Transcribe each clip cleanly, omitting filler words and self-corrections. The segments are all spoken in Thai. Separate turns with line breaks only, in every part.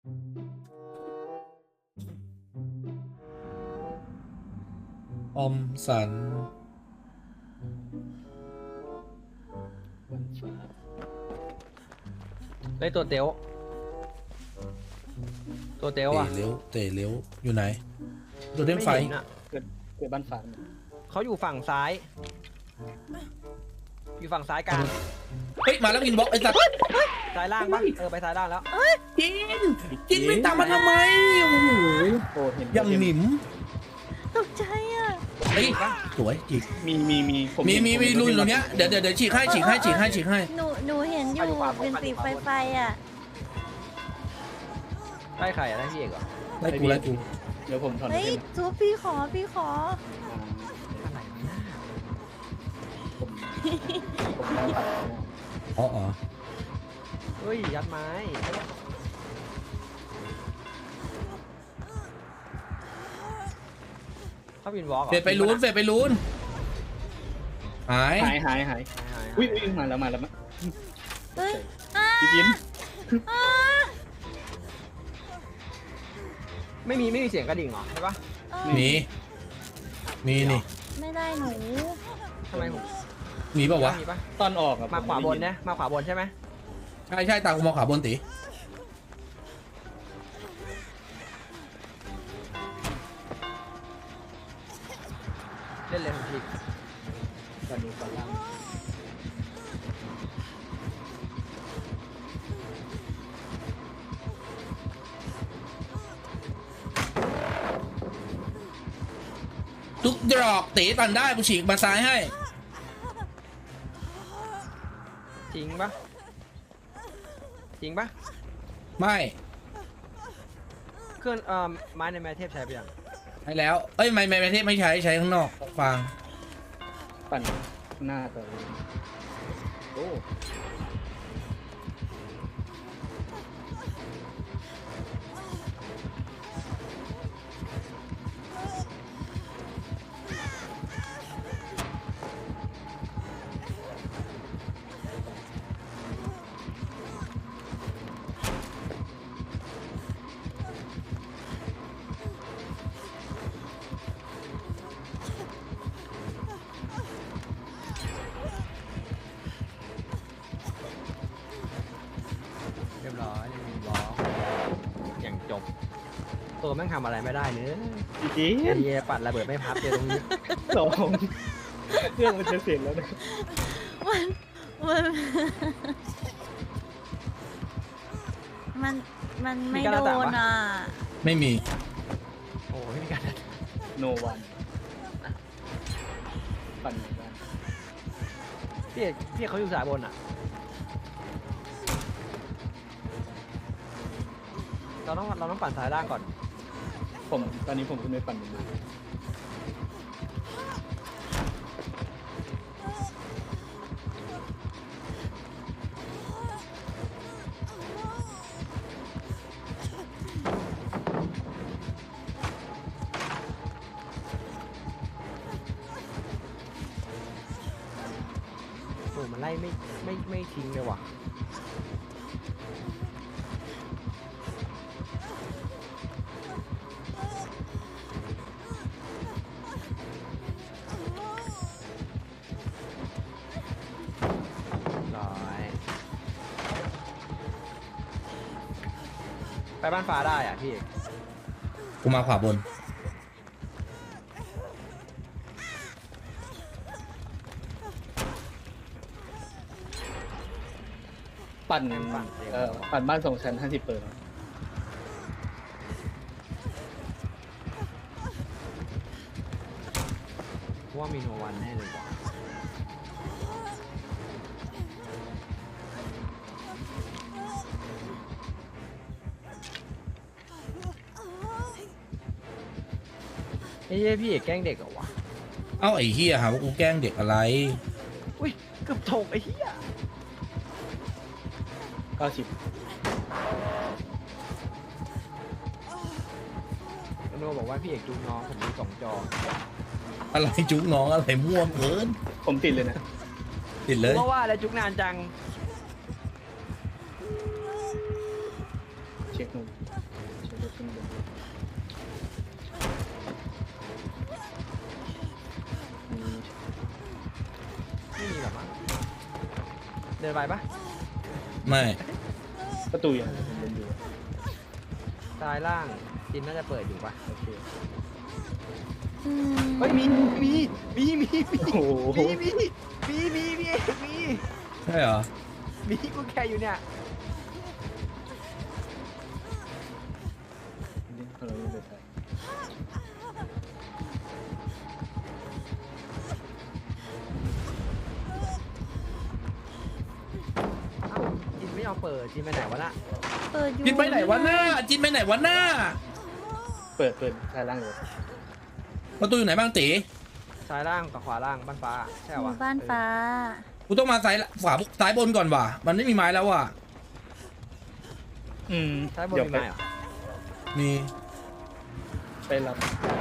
อมสัน
ได้ตัวเต๋วตัวเต๋ว
เตะ
อ่ะ
เลี้ยวเตะเลี้ยวอยู่ไหนตัวเด้งไฟ
ม่ห็นอะ
เกิดบ้านฟ้า
เขาอยู่ฝั่งซ้าย อยู่ฝั่งซ้ายกลาง
เฮ้ยมาแล้วอินบ็อกไอ้สัตว์
ซ้ายล่างปะไปซ้ายล่างแล้ว
จินไม่ตามมาทำไมโอ้โห
โอ้เห็น
ยังหนิม
ตกใจอ่ะ
เฮ้ยสวยจิก
มี
มีลุยตรงเนี้ยเดี๋ยวฉีกให้
หนูเห็นอยู่เป็นสีไฟอ่ะ
ได้ใครอะได้พี่เอกเหรอ
ไล่กู
เดี๋ยวผมถอน
เฮ้ย
เล่น
จูพี่ขอ
อะไรวะน่า
ผมได้ตัด
อ๋อ
เฮ้ยยัดไม้ถ้าวินวอล์ก
เฟดไปลุ้นหาย
หายอุ้ยมาแล้ว
เฮ้ย
พี่กิน
ไม่มีเสียงกระดิ่งเหรอใช่ปะ
มีนี่
ไม่ได้หนู
ทำไมผม
มีป่าวะ
มีปะ
ตอนออกอะ
มาขวาบนนะมาขวาบนใช่ไหม
ใช่ตามกูมองขวาบนตี
เล่นเลยผมผิด
ตอนนี้ตอนล่าง
ทุกดอกตีตันได้กูฉีกมาซ้ายให้
จริงปะจริงปะ
ไม่
เครื่องไม้ในแมทเทพใช้ไปยัง
ให้แล้วเอ้ยไม่เทพไม่ใช้ข้างนอกฟัง
ปั่นหน้าต่อโอ้
เรียบร้อยเล่นวินวอล์กอย่างจบตัวแม่งทำอะไรไม่ได้เนื้อ
พี่กิน
เยปัดระเบิดไม่พับเจอตรงนี้
สองเครื่องมันจะเสร็จแล้วนะ
มันมันมันมันไม่โดนอ่ะ
ไม่มี
โอ้ไม่มีการ
โนวันปั่นบ้าน
พี่เอกเขาอยู่สายบนอ่ะเราต้องปั่นสายล่างก่อน
ตอนนี้ผมขึ้นไปปั่นอยู่
โอ้มันไล่ไม่ทิ้งเลยว่ะร้อยไปบ้านฟ้าได้อ่ะพี่เอก
กูมาขวาบน
ปั่นปั่นบ้าน2 ชั้น 50 เปิด
ว่ามีโนวันแน่เลยว่ะเฮ้ยพี่เอกแกล้งเด็กเหรอวะ
เอ้าไอ้เฮียหาว่ากูแกล้งเด็กอะไร
อุ้ยเกือบถกไอ้เหี้ย
90
โนบอกว่าพี่เอกจูงน้องผมมี2 จอ
อะไรจุกน้องอะไรม่วงเกิน
ผมติดเลยนะ
ติดเลย
เพราะว่าอะไรจุกนานจัง
เช็คนู่นดี๋ยวขึ้นบน
ไม่มีหรอมั้งเดินไปปะ
ไม่
ประตูยังผมเดินอยู่
ซ้ายล่างจินน่าจะเปิดอยู่ปะโอเค
อืม
เฮ้ยมีมี
โอ้โห
มี
ใช่เหรอ
มีกูแค่อยู่เนี่ย
นี่เราไม่เปิดไฟ
เอ้าจินไม่ยอมเปิดจินไปไหนวะน่ะ
เปิดอยู่
จินไปไหนวะหน้าจินไปไหนวะหน้า
เปิดซ้ายล่างเลย
ประตูอยู่ไหนบ้างตี
ซ้ายล่างกับขวาล่างบ้านฟ้าใช่
ห
เหรอ
มู่
วะ
บ้านฟ้า
กูต้องมาซ้ายบนก่อนว่ะมันไม่มีไม้แล้วว่ะ
ซ้ายบนมีไหมเหรอ
มี
ไปรับ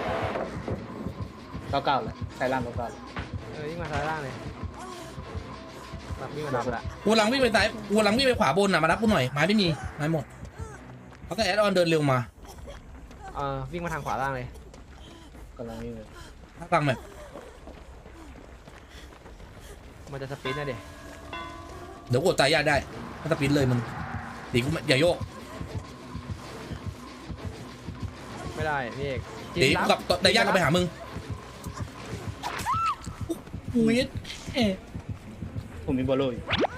เก้าแล้วซ้ายล่างเก้า
วิ่งมาซ้ายล่างเลยแบบวิ่งมาดับละ
กูหลังวิ่งไปซ้ายกูหลังวิ่งไปขวาบนน่ะมารับกูหน่อยไม้ไม่มีไม้หมดเขาก็แอดออนเดินเร็วมา
วิ่งมาทางขวาล่างเลย
กำลังนี่เลย
ถ้าตังแบบ
มันจะสปรินต์นะเด็
เดี๋ยวกดตายยากได้ถ้าสปินเลยมึงตีกูอย่าโยก
ไม่ได้พี่เอก
ตีกูกับตายยากก็ไปหามึงอุ้ยเอ๊ะ
ผมมีบอลโล่อยู่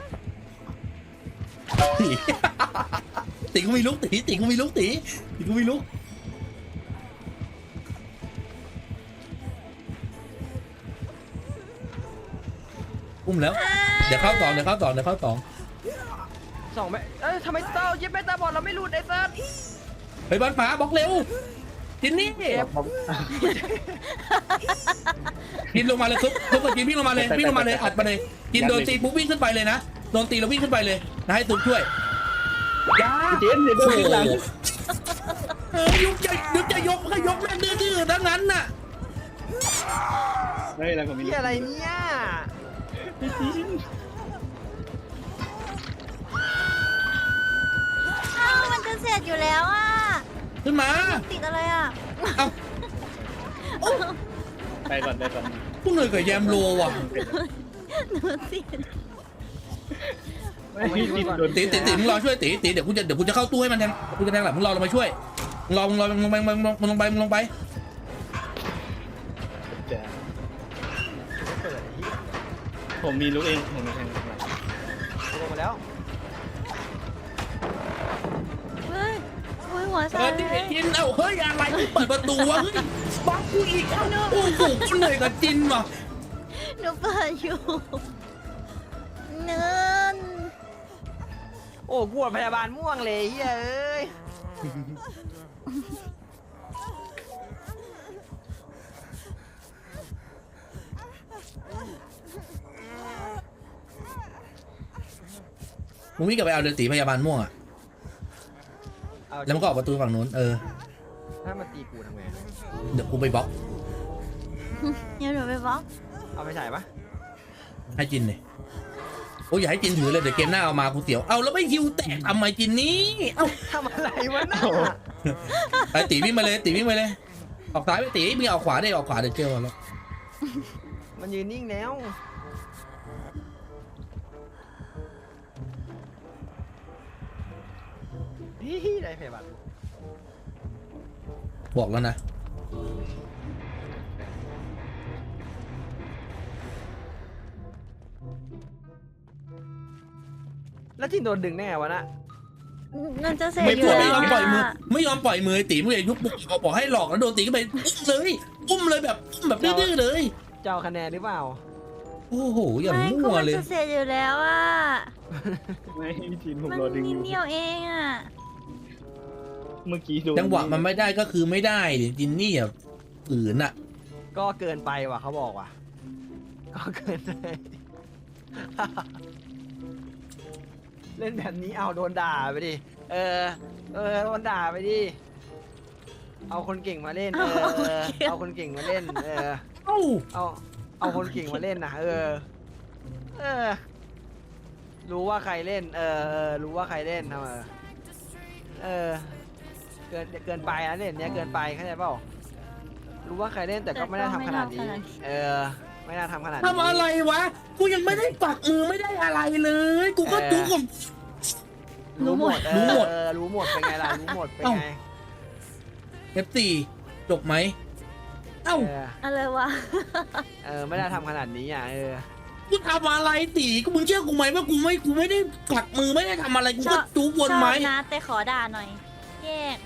ตีตีกูมีลุกตีกูมีลุกตีกูมีลุกอุ้มแล้วเดี๋ยวเข้าสอง
สองแม่ทำไมเต้ายิบแม่ตาบอดเราไม่หลุดไอ้เต้า
ไปบ้านฟ้าบล็อกเร็วจินนี่กินลงมาเลยทุกคนกินวิ่งลงมาเลยวิ่งลงมาเลยอัดมาเลยกินโดนตีปุ๊บวิ่งขึ้นไปเลยนะโดนตีแล้ววิ่งขึ้นไปเลยนะให้ตุ๊กช่วยยา
เจนเดี๋ยวโดนขึ้นหลัง
ยุกจะยกก็ยกแม่งดื้อๆทั้งนั้นน่ะ
เฮ้ยแล้วผมมี
พี่อะไรเนี่ย
พี่จีน
อ้าวมันจะเสร็จอยู่แล้วอ่ะ
ขึ้นมา
ติดอะไรอ่ะ
เอ้า
ไปก่อน
พวกเหนื่อยกับแยมโลว่ะ
หนูติด
ไม่พี่จีนโดน
ตีมึงรอช่วยตีเดี๋ยวกูจะเข้าตู้ให้มันแทงกูจะแทงหลังมึงรอลงมาช่วยมึงลงไป
จะ
ไม่เปิดไอ้เหี้ย
ผมมีลูกเองผมมีแทงหลัง
ลงมาแล้ว
เฮ้ยอุ้ยหัว
เอ
สั่
อน
เลย
จินเฮ้ยอะไรเปิดประตูวะเฮ้ยบังกูอีกโอ้โหกูเหนื่อยกับจินว่ะ
หนูเปิดอยู่เนิน
โอ้กวดพยาบาลม่วงเลยเฮ้ย
มึงวิ่งกลับไปเอาเดือตีพยาบาลม่วงอ่ะแล้วมันก็ออกประตูฝั่งนู้น
ถ้ามันตีกูทำไง
เดี๋ยวกูไปบล็อก
เดี๋ยวหนูไปบล็อก
เอาไปใส่ปะ
ให้จินเลยโอ้ยอย่าให้จินถือเลยเดี๋ยวเกมหน้าเอามากูเสียวเอาแล้วไม่ฮิวแตกทำไมจินนี้เอ้า
ทำอะไรวะน่ะ
ไอตีวิ่งมาเลยออกซ้ายไปตีมึงออกขวาได้ออกขวาเดี๋ยวเจอแล้ว
มันยืนนิ่งแล้วได้พยาบาล
บอกแล้วนะ
แล้วจินโดนดึงแน่วะน่ะ
มันจะเสร็จ
ไม่
อยู่
ไม่
แล้ว
ยอมปล่อยมือ
อะ
ไม่ยอมปล่อยมือตีมึงเลยยุบปุ๊บบอกให้หลอกแล้วโดนตีก็ไปอุ้มเลยแบบดื้อเลย
จะเอาคะแนนหรือเปล่า
โอ้โหอย่า
ไม่คือ
มั่ว
มัน
เลย
จะเสร็จอยู่แล้วอ่ะ
ไม่พี่จีนผม
มัน
รอดึงอ
นิด
ยู่
เดียวเองอ่ะ
เมื่อกี้โดน
จังหวะมันไม่ได้ก็คือไม่ได้ดิจินนี่อ่ะฝืนอ่ะ
ก็เกินไปว่ะเขาบอกว่ะก็เกินไป เล่นแบบนี้เอาโดนด่าไปดิโดนด่าไปดิเอาคนเก่งมาเล่นเอาคนเก่งมาเล่น
เอ้า
เอาคนเก่งมาเล่นนะรู้ว่าใครเล่นรู้ว่าใครเล่นทำไมเเกินไปนะเนี่ยเนี้ยเกินไปเข้าใจเปล่ารู้ว่าใครเล่นแต่ก็ไม่ได้ทำขนาดนี้ เออ ไม่น่าทำขนาดนี้
ทำอะไรวะกูยังไม่ได้ปักมือไม่ได้อะไรเลย กูก็จุกผม
รู้หมด
รู้หมด
รู้หมดเป็นไงล่ะรู้หมดเป็นไง
F4 จบไหมเอ้า
อะไรวะ
ไม่ได้ทำขนาดนี้อ่ะ
กูทำอะไรตีกูมึงเชื่อกูไหมว่ากูไม่ได้ปักมือไม่ได้ทำอะไรกูก็จุกวนไหม
ชอบนะแต่ขอด่าหน่อยแยก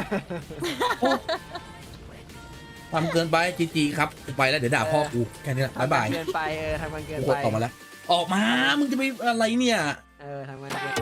ทำเกินไปจีครับกูไปแล้วเดี๋ยวด่าพ่อกูแค่นี้แหละบ๊ายบาย
เกินไปทำมันเกิน
กู
ไป
กดออกมาแล้ว ออกมามึงจะไปอะไรเนี่ย
ทำมันเกิน